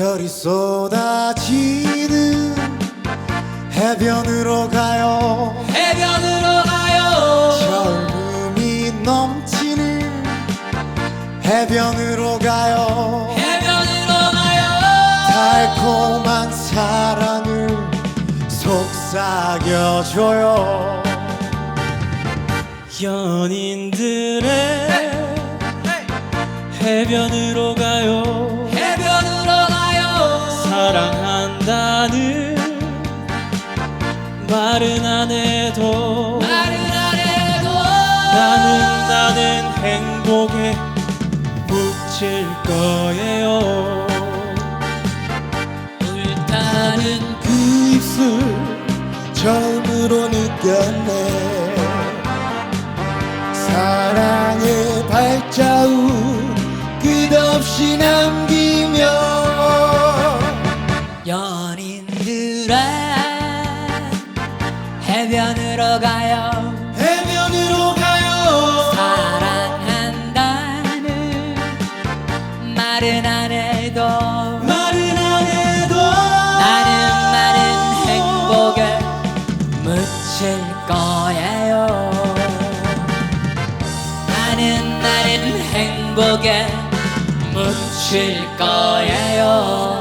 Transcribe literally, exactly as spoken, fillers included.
별이 쏟아지는 해변으로 가요. 해변으로 가요. 젊음이 넘치는 해변으로 가요. 해변으로 가요. 달콤한 사랑을 속삭여줘요. 연인들의 해변으로 가요. 해변으로 가요. 사랑한다는 말은 안 해도 말은 안 해도 나는 나는 행복에 묻힐 거예요. 불타는 그 입술 처음으로 느꼈네. 사랑의 발자국 끝없이 남기며 연인들의 해변으로 가요. 해변으로 가요. 사랑한다는 말은 안 해도 말은 안 해도 나는 나는 행복에 묻힐 거예요. 나는 나는 행복에 묻힐 거예요.